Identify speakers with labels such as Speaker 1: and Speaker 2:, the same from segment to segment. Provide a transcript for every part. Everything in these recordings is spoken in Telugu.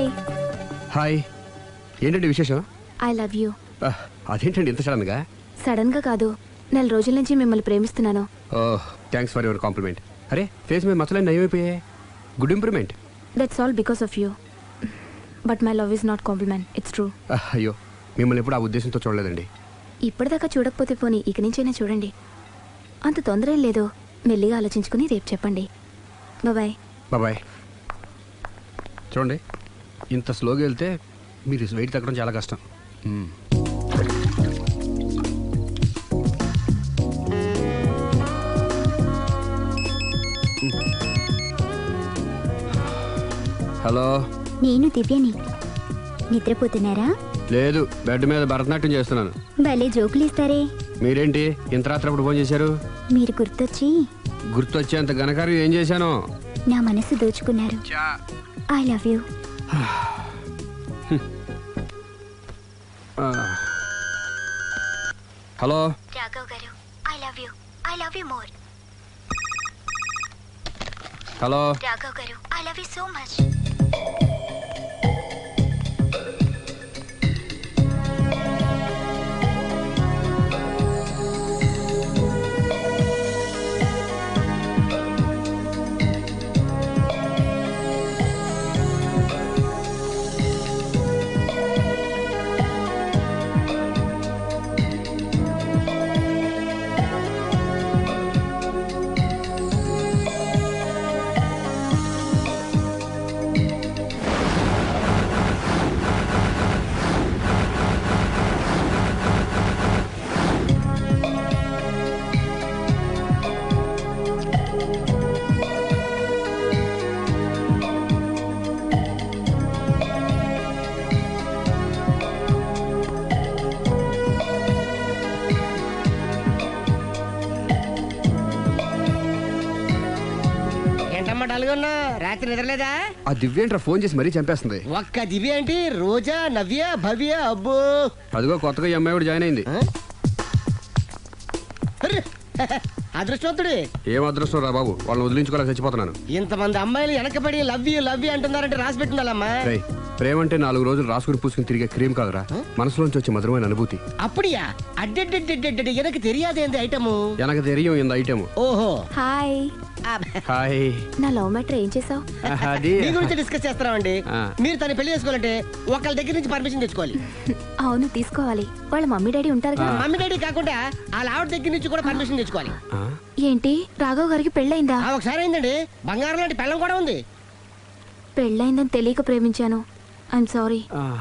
Speaker 1: హాయ్.
Speaker 2: హాయ్. ఏంటండి విశేషం?
Speaker 1: I love you.
Speaker 2: అదేంటండి ఇంత సడన్గా?
Speaker 1: సడన్గా కాదు, నెల రోజుల నుంచి మిమ్మల్ని ప్రేమిస్తున్నాను.
Speaker 2: Oh, thanks for your compliment. అరే, ఫేస్ మీద మచ్చలన్నీ నయమైపోయాయి. Good improvement.
Speaker 1: That's all because of you. But my love is not compliment, it's true.
Speaker 2: అయ్యో, మిమ్మల్ని ఎప్పుడు ఆ ఉద్దేశంతో చూడలేదండి.
Speaker 1: ఇప్పటిదాకా చూడకపోతే పోనీ ఇక నుంచైనా చూడండి. అంత తొందర ఏం లేదు, మెల్లిగా ఆలోచించుకుని రేపు చెప్పండి. బాయ్.
Speaker 2: బాయ్. చూడండి, ఇంత స్లోగా వెళ్తే మీరు వెయిట్ తగ్గడం చాలా కష్టం. హలో,
Speaker 3: నేను దివ్యని. నిద్రపోతున్నారా?
Speaker 2: లేదు, బెడ్ మీద భరతనాట్యం చేస్తున్నాను.
Speaker 3: భలే జోకులు ఇస్తారే.
Speaker 2: మీరేంటి ఇంత రాత్రి అప్పుడు ఫోన్ చేశారు?
Speaker 3: మీరు
Speaker 2: గుర్తొచ్చేంత ఘనకార్యం ఏం చేశాను?
Speaker 3: నా మనసు దోచుకున్నారు. I love you.
Speaker 2: Hello
Speaker 3: Raghav గారు, I love you. I love you more.
Speaker 2: Hello
Speaker 3: Raghav గారు, I love you so much.
Speaker 4: రాత్రి నిద్రలేదా?
Speaker 2: ఆ దివ్యేంట్రా ఫోన్ చేసి మరీ చంపేస్తుంది.
Speaker 4: ఒక్క దివ్య ఏంటి, రోజా, నవ్య, భవ్య, అబ్బో.
Speaker 2: అదిగో కొత్తగా ఈ అమ్మాయి కూడా జాయిన్ అయింది.
Speaker 4: అదృష్టవంతుడు.
Speaker 2: ఏం అదృష్టం రా బాబు, వాళ్ళని వదిలించుకోలేక చచ్చిపోతున్నాను.
Speaker 4: ఇంతమంది అమ్మాయిలు వెనకబడి లవ్ యూ అంటున్నారంటే రాసి పెట్టిండాలమ్మా.
Speaker 2: ప్రేమ అంటే 4 రోజులు రాసుకుని పూసుకుని తిరిగే క్రీమ్ కాదురా, మనసులోంచి వచ్చే మధురమైన అనుభూతి.
Speaker 4: అప్పుడియా? అడ్డెడ్డెడ్డెడ్డెడ్ ఎనకు తెలియదేంది ఐటము.
Speaker 2: ఎనకు తెలియం ఇంత ఐటమ్.
Speaker 4: ఓహో,
Speaker 1: హాయ్.
Speaker 2: హాయ్.
Speaker 1: నా లవ్ మ్యాటర్ ఏం చేసావు?
Speaker 4: మీ గురించి డిస్కస్ చేస్తున్నామండి. మీరు తను పెళ్లి చేసుకోవాలంటే ఒకళ్ళ దగ్గర నుంచి పర్మిషన్ తెచ్చుకోవాలి.
Speaker 1: అవును, తీసుకోవాలి. వాళ్ళ మమ్మీ డాడీ ఉంటారు కదా.
Speaker 4: మమ్మీ డాడీ కాకుండా వాళ్ళ ఆవిడ దగ్గర నుంచి కూడా పర్మిషన్ తెచ్చుకోవాలి.
Speaker 1: ఏంటి, రాఘవ్ గారికి పెళ్ళయిందా?
Speaker 4: ఒకసారి అయిందండి. బంగారం లాంటి పెళ్ళం కూడా ఉంది.
Speaker 1: పెళ్ళయిందని తెలియక ప్రేమించాను. I'm sorry.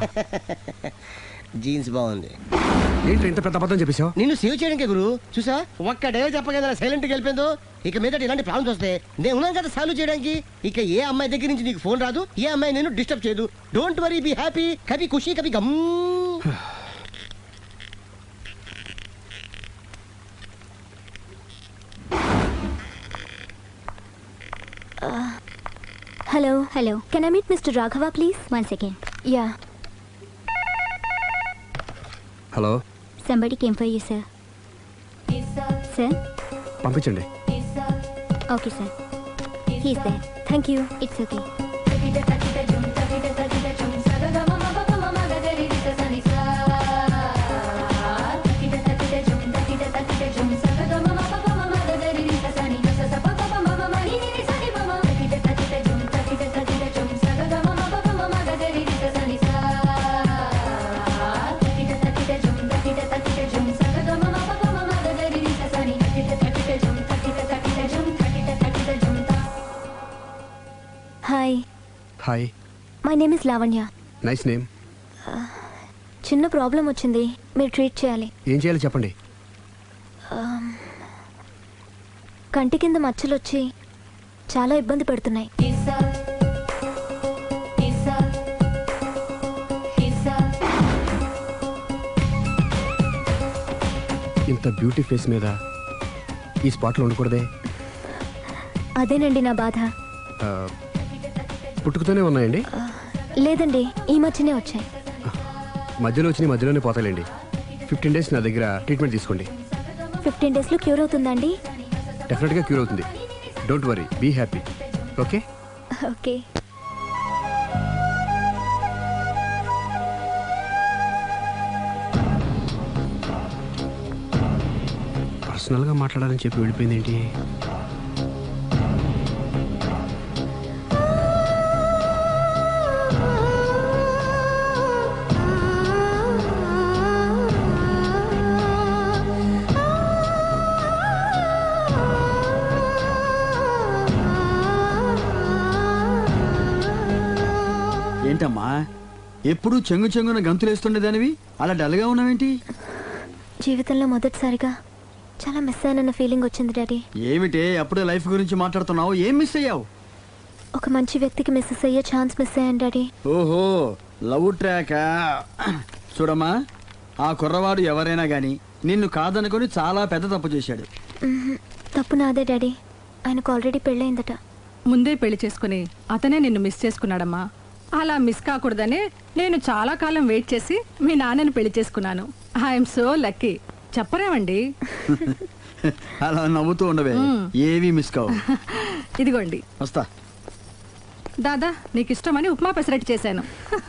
Speaker 4: జీన్స్ బాగుంది.
Speaker 2: ఏంటి ఇంత పెద్ద అబద్ధం చెప్పేశావు?
Speaker 4: నిన్ను సేవ్ చేయడానికి గురు. చూసా, ఒక్క డే చెప్పగల సైలెంట్ గా వెళ్ళిపోయిందో. ఇక మీద ఇలాంటి ప్రాబ్లమ్స్ వస్తే నేను ఉన్నాను కదా సాల్వ్ చేయడానికి. ఇక ఏ అమ్మాయి దగ్గర నుంచి నీకు ఫోన్ రాదు, ఏ అమ్మాయి నేను డిస్టర్బ్ చేయదు. Don't worry, be happy. Kabhi Khushi Kabhi Gham.
Speaker 3: Hello. Can I meet Mr. Raghava, please? 1 second.
Speaker 1: Yeah.
Speaker 2: Hello.
Speaker 3: Somebody came for you, sir. Sir?
Speaker 2: పంపించండి.
Speaker 3: Okay, sir. He's there. Thank you. It's okay.
Speaker 2: Hi.
Speaker 1: My name is Lavanya.
Speaker 2: Nice name.
Speaker 1: చిన్న ప్రాబ్లం వచ్చింది, మీరు ట్రీట్ చేయాలి.
Speaker 2: ఏం చేయాలి చెప్పండి.
Speaker 1: కంటి కింద మచ్చలు వచ్చి చాలా ఇబ్బంది పెడుతున్నాయి.
Speaker 2: ఇంత బ్యూటీ ఫేస్ మీద ఈ స్పాట్లో ఉండకూడదే.
Speaker 1: అదేనండి నా బాధ.
Speaker 2: పుట్టుకతోనే ఉన్నాయండి?
Speaker 1: లేదండి, ఈ మధ్యనే వచ్చాయి.
Speaker 2: మధ్యలో వచ్చి మధ్యలోనే పోతాయండి. 15 days నా దగ్గర ట్రీట్మెంట్ తీసుకోండి.
Speaker 1: 15 daysలో క్యూర్ అవుతుందండి?
Speaker 2: డెఫినెట్గా క్యూర్ అవుతుంది. Don't worry, be happy. Okay
Speaker 1: okay.
Speaker 2: పర్సనల్గా మాట్లాడాలని చెప్పి వెళ్ళిపోయింది ఏంటి?
Speaker 5: ఏంటమ్మా ఎప్పుడు చెంగు చెంగున గంతులేస్తుండేదానివి అలా డల్గా ఉన్నావేంటి?
Speaker 3: జీవితంలో మొదటిసారిగా చాలా మిస్ అయ్యానన్న ఫీలింగ్ వచ్చింది డాడీ.
Speaker 5: ఏమిటే అప్పుడే లైఫ్ గురించి మాట్లాడుతున్నావు? ఏం మిస్ అయ్యావు?
Speaker 3: ఒక మంచి వ్యక్తికి మిస్సెస్ అయ్యే ఛాన్స్ మిస్ అయ్యాను డాడీ.
Speaker 5: ఓహో, లవ్ ట్రాక్. చూడమ్మా, ఆ కుర్రవాడు ఎవరైనా గాని నిన్ను కాదనుకొని చాలా పెద్ద తప్పు చేశాడు.
Speaker 3: తప్పు నాదే డాడీ. ఆయనకు ఆల్రెడీ పెళ్ళయిందట.
Speaker 6: ముందే పెళ్లి చేసుకుని అతనే నిన్ను మిస్ చేసుకున్నాడమ్మా. అలా మిస్ కాకూడదని నేను చాలా కాలం వెయిట్ చేసి మీ నాన్నని పెళ్లి చేసుకున్నాను. I'm so lucky. చెప్పరేమండి?
Speaker 5: అలా నవ్వుతూ ఉండవే, ఏవి మిస్ కావు.
Speaker 6: ఇదిగోండి.
Speaker 5: వస్తా.
Speaker 6: దాదా, నీకు ఇష్టమని ఉప్మా పెసరట్టు చేశాను.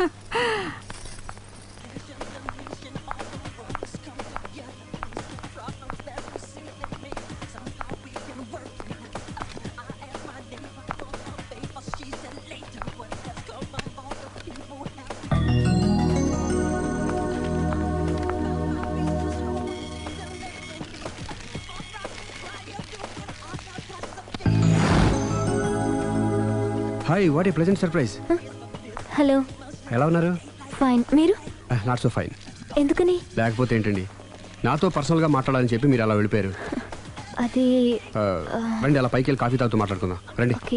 Speaker 2: Hi, what a pleasant surprise.
Speaker 3: Hello.
Speaker 2: ఎలా ఉన్నారు?
Speaker 3: ఫైన్. మీరు?
Speaker 2: Not so fine.
Speaker 3: ఎందుకని?
Speaker 2: లేకపోతే ఏంటండి, నాతో పర్సనల్గా మాట్లాడాలని చెప్పి మీరు అలా వెళ్ళిపోయారు.
Speaker 3: అది
Speaker 2: రండి, అలా పైకి వెళ్ళి కాఫీ తాగుతూ మాట్లాడుకుందాం రండి.
Speaker 3: ఓకే.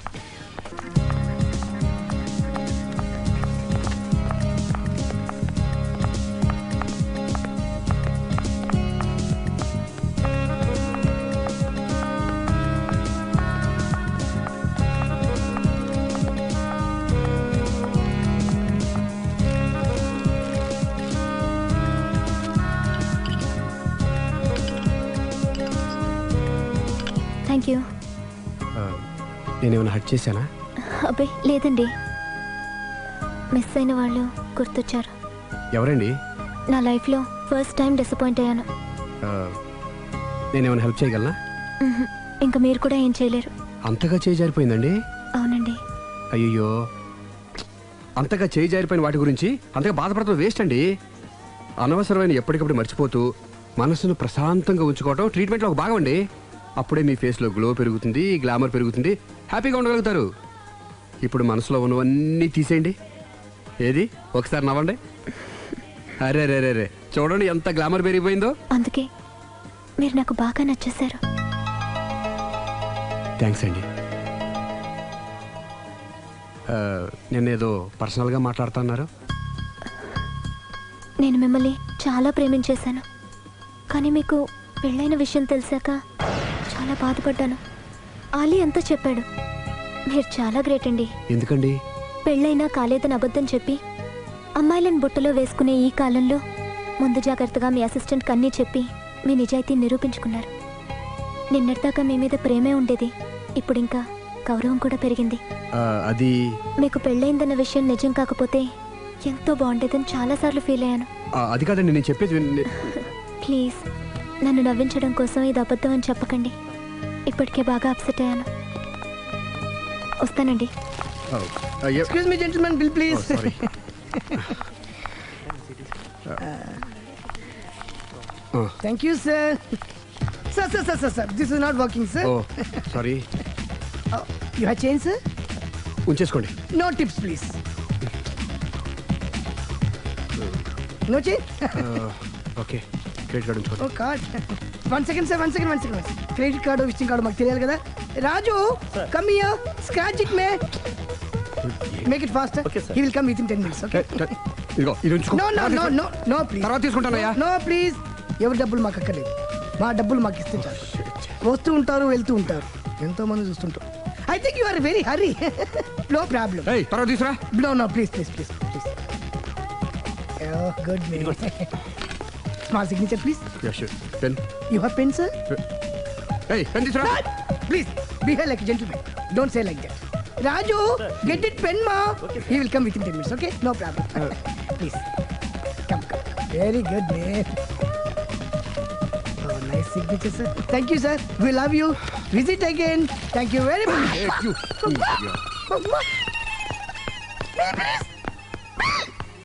Speaker 3: Thank you.
Speaker 2: నేనేమైనా హర్ట్ చేశానా?
Speaker 3: అబ్బే లేదండి. మిస్ అయిన వాళ్ళు గుర్తొచ్చారు.
Speaker 2: ఎవరండి?
Speaker 3: నా లైఫ్లో ఫస్ట్ టైం డిసప్పాయింట్ అయ్యాను.
Speaker 2: నేనేమైనా హెల్ప్ చేయగలనా?
Speaker 3: ఇంకా మీరు కూడా ఏం చేయలేరు.
Speaker 2: అంతగా చేయి జారిపోయిందండి?
Speaker 3: అవునండి.
Speaker 2: అయ్యో, అంతగా చేయి జారిపోయిన వాటి గురించి అంతగా బాధపడటం వేస్ట్ అండి. అనవసరమైన ఎప్పటికప్పుడు మర్చిపోతూ మనసును ప్రశాంతంగా ఉంచుకోవటం ట్రీట్మెంట్లో ఒక భాగం అండి. అప్పుడే మీ ఫేస్లో గ్లో పెరుగుతుంది, గ్లామర్ పెరుగుతుంది, హ్యాపీగా ఉండగలుగుతారు. ఇప్పుడు మనసులో ఉన్నవన్నీ తీసేయండి. ఏది, ఒకసారి నవ్వండి. అరే రే రే రే, చూడండి ఎంత గ్లామర్ పెరిగిపోయిందో.
Speaker 3: అందుకే మీరు నాకు బాగా నచ్చేశారు.
Speaker 2: థ్యాంక్స్ అండి. నేనేదో పర్సనల్గా మాట్లాడుతున్నారు.
Speaker 3: నేను మిమ్మల్ని చాలా ప్రేమించేశాను. కానీ మీకు పెళ్ళైన విషయం తెలిసాక చాలా బాధపడ్డాను. ఆలీ అంతా చెప్పాడు. మీరు చాలా గ్రేట్ అండి.
Speaker 2: ఎందుకండి?
Speaker 3: పెళ్ళైనా కాలేదని అబద్ధం చెప్పి అమ్మాయిలను బుట్టలో వేసుకునే ఈ కాలంలో ముందు జాగ్రత్తగా మీ అసిస్టెంట్కి అన్నీ చెప్పి మీ నిజాయితీ నిరూపించుకున్నారు. నిన్నటిదాకా మీ మీద ప్రేమే ఉండేది, ఇప్పుడు ఇంకా గౌరవం కూడా పెరిగింది.
Speaker 2: అది
Speaker 3: మీకు పెళ్ళైందన్న విషయం నిజం కాకపోతే ఎంతో బాగుండేదని చాలాసార్లు ఫీల్ అయ్యాను.
Speaker 2: అది కాదండి నేను చెప్పేది.
Speaker 3: ప్లీజ్ నన్ను నవ్వించడం కోసం ఇది అబద్ధం అని చెప్పకండి. ఇప్పటికే బాగా అప్సెట్ అయ్యాను. వస్తానండి.
Speaker 4: Excuse me gentlemen, bill please. Thank you sir. Sir this is not working sir.
Speaker 2: Sorry.
Speaker 4: You have change sir?
Speaker 2: ఉంచేసుకోండి.
Speaker 4: No tips please. No change.
Speaker 2: Okay, credit card ఉంచుకోండి.
Speaker 4: Oh card. One second sir, one second. Credit card visiting card మాకు తెలియాలి కదా. Raju, come here, scratch it man. Make it fast. He will come within 10 minutes. Okay.
Speaker 2: ఇదిగో ఇది ఉంచుకో.
Speaker 4: No please.
Speaker 2: తర్వాత తీసుకుంటానయ్యా.
Speaker 4: No please. ఎవరి డబ్బులు మాకు అక్కర్లేదు. మా డబ్బులు మాకు ఇస్తే చాలు. వస్తూ ఉంటారు, వెళ్తూ ఉంటారు, ఎంతో మంది చూస్తుంటారు. I think you are very hurry. No problem.
Speaker 2: ఏయ్, తర్వాత తీసురా.
Speaker 4: No please. Good man. Small signature please.
Speaker 2: Yeah sure. Pen.
Speaker 4: You have pen sir?
Speaker 2: ఏయ్, పెన్ తీసురా.
Speaker 4: Please, behave like a gentleman. Don't say like that. Raju, get it pen, ma. He will come within 10 minutes, okay? No problem. Please. Come. Very good, man. Oh, nice
Speaker 7: signature sir thank you sir we love you visit again thank you very much